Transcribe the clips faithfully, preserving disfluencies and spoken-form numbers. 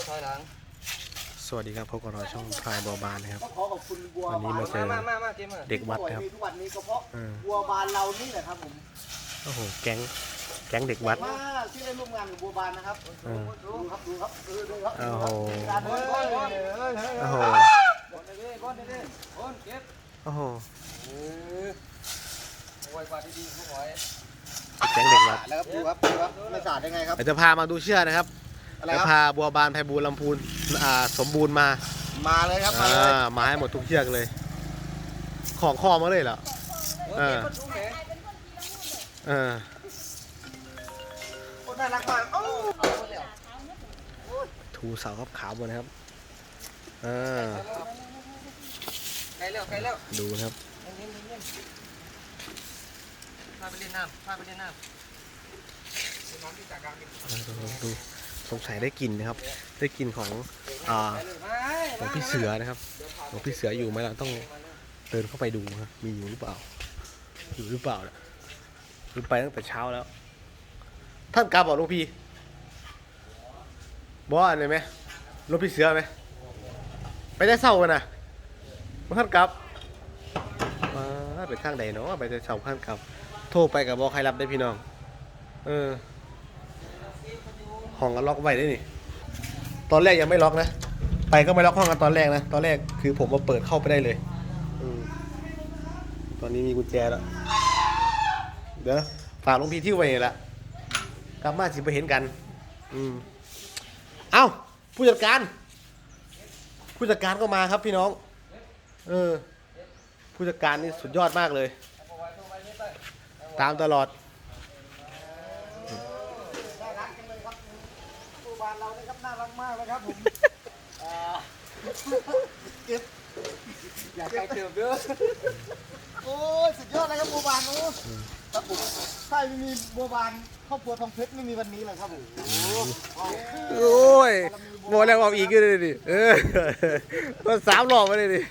ถอยหลังสวัสดีครับพบกับเราช่องพลายบัวบานนะครับวันนี้มาเจอเด็กวัดครับทุกวันนี้ก็เพราะบัวบานเรานี่แหละครับผมโอ้โหแก๊งแก๊งเด็กวัดมาที่ได้ร่วมงานกับบัวบานนะครับดูครับดูครับดูครับโอ้โหโอ้โหโอ้โหแก๊งเด็กวัดแล้วครับดูครับดูครับไม่สาดได้ไงครับเดี๋ยวจะพามาดูเชือกนะครับจะพาบัวบานไพบูลย์ลำพูนอ่าสมบูรณ์มามาเลยครับมาเลยมาให้หมดทุกเชือกเลยของคอมาเลยเหรอเออเออน่ารักมากถูเสาครับขาวหมดนะครับเออไกลแล้วไกลแล้วดูนะครับพาไปเล่นน้ำพาไปเล่นน้ำดูสงสัยได้กลิ่นนะครับได้กลิ่นของอ่าของพี่เสือนะครับของพี่เสืออยู่ไหมเราต้องเดินเข้าไปดูครับมีอยู่หรือเปล่าอยู่หรือเปล่าเนี่ยขึ้นไปตั้งแต่เช้าแล้วท่านกลับบอกลูกพี่บอกอะไรไหมลูกพี่เสือไหมไปได้เศร้ากันนะท่านกลับมาไปข้างใดเนาะไปได้เศร้าท่านกลับโทรไปกับบอกใครรับได้พี่น้องเออห้องก็ล็อกไว้ได้นี่ตอนแรกยังไม่ล็อกนะไปก็ไม่ล็อกห้องกันตอนแรกนะตอนแรกคือผมมาเปิดเข้าไปได้เลยตอนนี้มีกุญแจแล้วเดี๋ยวฝากลุงพี่ที่ไว้ละกลับมาสิไปเห็นกันอืมเอ้าผู้จัดการผู้จัดการก็มาครับพี่น้องเออผู้จัดการนี่สุดยอดมากเลยตามตลอดบ้านเราเนี่ยครับน่ารักมากเลยครับผมเก็บอยากไปเติมเด้อโอ้ยสุดยอดเลยครับบัวบานโอ้ครับผมถ้าไม่มีบัวบานครอบครัวทองเพชรไม่มีวันนี้เลยครับผมโอ้ยโมแล้วเอาอีกเลยดิเออมาสามรอบมาเลยดิ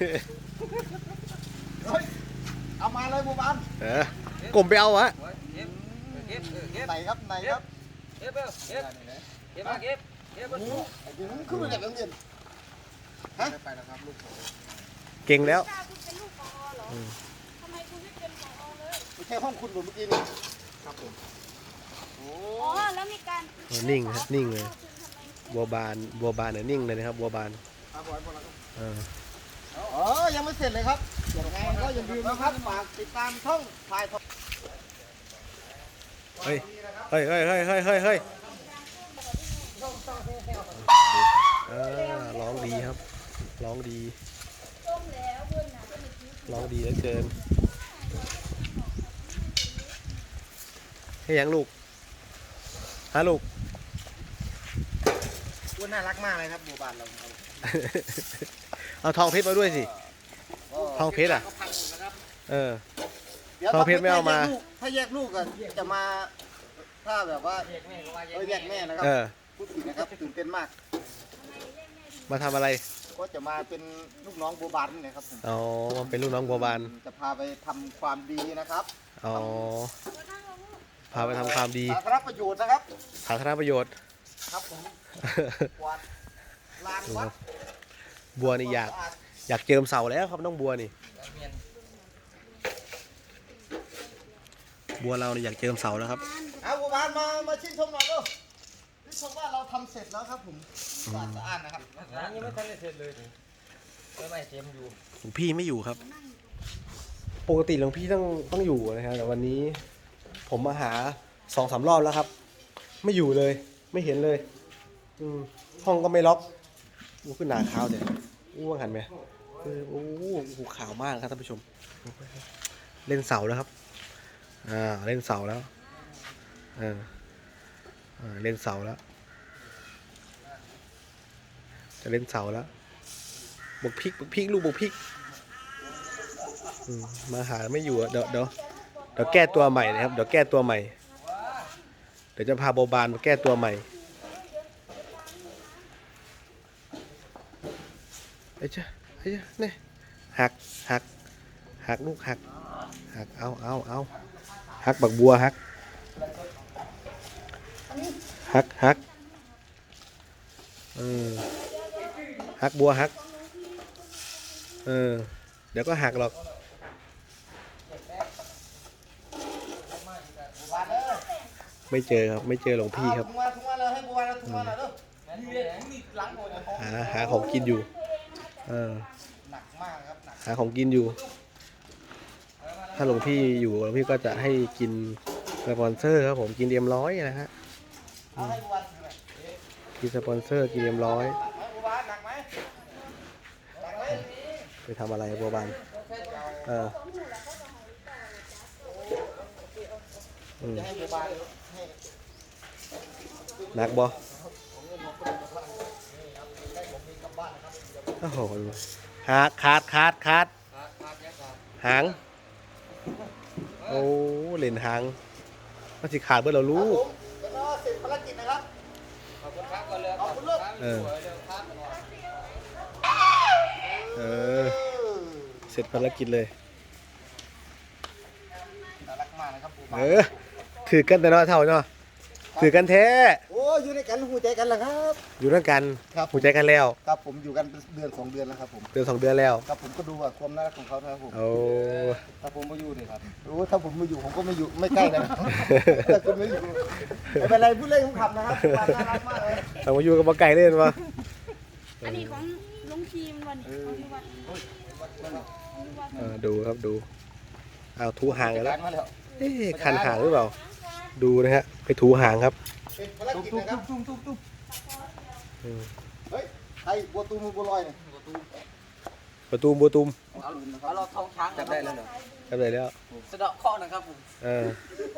เอามาเลยบัวบานเออกลมไปเอาวะไหนครับไหนครับเก็บเก็บเก็บเก็บมาเก็บเก็บมาดูขึ้นมาจากโรงเรียนฮะไปแล้วครับลูกเก่งแล้วทำไมคุณไม่เป็นผอเลยไม่ใช่ห้องคุณผมเมื่อกี้นี่ครับผมอ๋อแล้วมีการนิ่งครับนิ่งเลยบัวบานบัวบานเนี่ยนิ่งเลยนะครับบัวบานเอออ๋อยังไม่เสร็จเลยครับยังไงก็อย่าลืมนะครับฝากติดตามช่องพายทองเฮ้ยเฮ้ยเฮ้ยเฮ้ยเฮ้ยเฮ้ยเฮ้ยร้องดีครับร้องดีร้องดีเหลือเกินให้ยังลูกฮะลูกว่าน่ารักมากเลยครับบัวบานเราเอาทองเพชรมาด้วยสิทองเพชรอ่ะเออทองเพชรไม่เอามาถ้าแยกลูกกันจะมาถ้าแบบว่าเออแยกแม่นะครับพูดผิดนะครับตื่นเต้นมากมาทำอะไรก็จะมาเป็นลูกน้องบัวบานนี่ครับอ๋อมาเป็นลูกน้องบัวบานจะพาไปทำความดีนะครับอ๋อพาไปทำความดีสาธารณประโยชน์นะครับสาธารณประโยชน์ครับผมกวาดลานวัดบัวนี่อยากอยากเจิมเสาแล้วครับน้องบัวนี่บัวเราเนี่ยอยากเจิมเสาแล้วครับเอาบัวบานมามาชื่นชมหน่อยลูกชื่นชมว่าเราทำเสร็จแล้วครับผมสะอาดสะอาดนะครับยังไม่ทันได้เสร็จเลยไม่ไม่เต็มอยู่หลวงพี่ไม่อยู่ครับปกติหลวงพี่ต้องต้องอยู่นะครับแต่วันนี้ผมมาหาสองสามรอบแล้วครับไม่อยู่เลยไม่เห็นเลยห้องก็ไม่ล็อกอู้ขึ้นหนาขาวเดี๋ยวอู้ว่างหันไหมโอ้โหขาวมากครับท่านผู้ชมเล่นเสาแล้วครับอ่าเล่นเสาแล้วอ่าเล่นเสาแล้วจะเล่นเสาแล้วบุกพริกบุกพริกลูกบุกพริกมาหาไม่อยู่เดี๋ยวเดี๋ยวเดี๋ยวแก้ตัวใหม่นะครับเดี๋ยวแก้ตัวใหม่เดี๋ยวจะพาโบบานมาแก้ตัวใหม่ไอ้เจ้าไอ้เจ้าเนี่ยหักหักหักลูกหักหักเอาเอาเอาหักบักบัวหักหักหักเออหักบัวหักเออเดี๋ยวก็หักหรอกบัวบานเลยไม่เจอครับไม่เจอหลวงพี่ครับถุงมาถุงมาเลยให้บัวบานเอาถุงมาหน่อยเด้อนี่หลังหมดเลยหาหาของกินอยู่เออหนักมากครับหนักหาของกินอยู่ ถ้าหลวงพี่อยู่หลวงพี่ก็จะให้กินสปอนเซอร์ครับผมกินเอ็มร้อยนะฮะเอาให้บัวบานถือหน่อยกินสปอนเซอร์กินเอ็มร้อยหนักไหมบัวบานหนักไหมหนักไหมไปทำอะไรบัวบานเอออืมจะให้บัวบานให้หนักบ่โอ้โหขาดขาดขาดขาดหางโอ้เล่นหางมันสิขาดเบื่อเราครัรู้บผมแล้วก็เสร็จภารกิจนะครับขอบคุณครับก่อนเลยขอบคุณลูกเออเร็วครับเออเสร็จภารกิจเลยน่ารักมากนะครับบัวบาเอน อถือกันแต่เนาะเท่าเนาะถือกันแท้โอ้อยู่ในกันหูใจกันแล้วครับอยู่ด้วยกันครับหัวใจกันแล้วครับผมอยู่กันเดือนสองเดือนแล้วครับผมเดือนสองเดือนแล้วครับผมก็ดูว่าความน่ารักของเขานะครับผมโอ้ถ้าผมไม่อยู่นี่ครับโอ้ถ้าผมไม่อยู่ผมก็ไม่อยู่ไม่ใกล้นะ ถ้าคุณไม่อยู่ไม่เป็นไรพูดเล่นขำๆนะครับความน่ารักมากเลยเอามาอยู่กับมาไก่เล่นวะอันนี้ของลุงทีมวันนี้ของที่วัดเออดูครับดูเอาถูหางกันแล้วมาแล้วเอ๊ะคันหางหรือเปล่าดูนะฮะไปถูหางครับเป็นภารกิจนะครับอืมเฮ้ยไอ้บัวตูมบัวลอยเนี่ยประตูมบัวตูมเอาเราท้องช้างจับได้แล้วเหรอทำไรแล้วสะเดาะเคราะห์นะครับผมเออ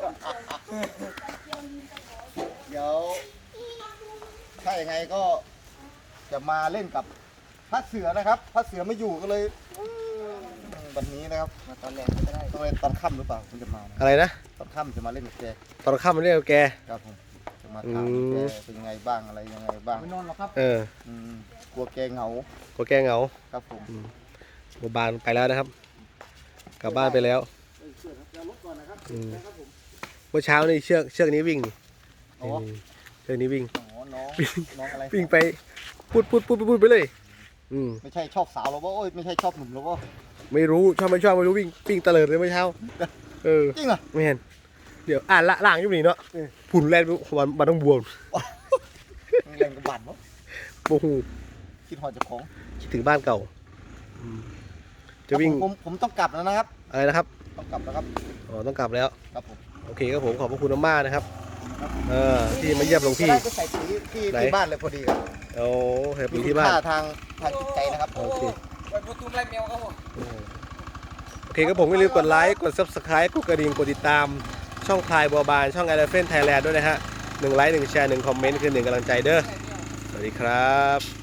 เดี๋ยวถ้าอย่างไงก็จะมาเล่นกับพระเสือนะครับพระเสือไม่อยู่ก็เลยอืมวันนี้นะครับมาตอนแรกไม่ได้ต้องเล่นตอนค่ำหรือเปล่าคุณจะมานะอะไรนะตอนค่ำจะมาเล่นกับแกตอนค่ำมันเรียกแกครับผมจะมาถามอืมแกเป็นยังไงบ้างอะไรยังไงบ้างไม่นอนหรอกครับเอออืมกลัวแกเหงาก็แกเหงาครับผมบัวบานไปแล้วนะครับ กลับบ้านไปแล้วอืมเมื่อเช้านี่เชือกเชือกนี้วิ่งนี่อ๋อนี่เชือกนี้วิ่งอ๋อน้องน้องอะไรวิ่งไปพูดพูดพูดพูดไปเลย อืมไม่ใช่ชอบสาวหรอวะโอ้ยไม่ใช่ชอบหนุ่มหรอวะไม่รู้ชอบไม่ชอบไม่รู้วิ่งวิ่งเตลิดเลยเมื่อเช้า เออจริงเหรอไม่เห็น เดี๋ยวอ่านละล่างอยู่นี่เนาะเออผุนแล่นวันบันต้องบวมแรงกระบาดวะโอ้โหคิดหอดเจ้าของคิดถึงบ้านเก่าอืมจะวิ่งผมผมผมต้องกลับแล้วนะครับอะไรนะครับต้องกลับแล้วครับอ๋อต้องกลับแล้วครับผมโอเคครับผมขอบพระคุณมากๆนะครับ เออที่มาเยี่ยมหลวงพี่จะได้ไปใส่ปุ๋ยที่ไหนที่บ้านเลยพอดีครับโอ้เห็นมีอยู่คุที่ณบ้านค่าทางทางจิตใจนะครับโอเคไปประตูไรแมวครับผมโอเคครับผมอย่าลืมกดไลค์กด ซับสไครบ์กดกระดิ่งกดติดตามช่องพลายบัวบานช่อง Elephant Thailand ด้วยนะฮะหนึ่งไลค์หนึ่งแชร์หนึ่งคอมเมนต์คือหนึ่งกำลังใจเด้อสวัสดีครับ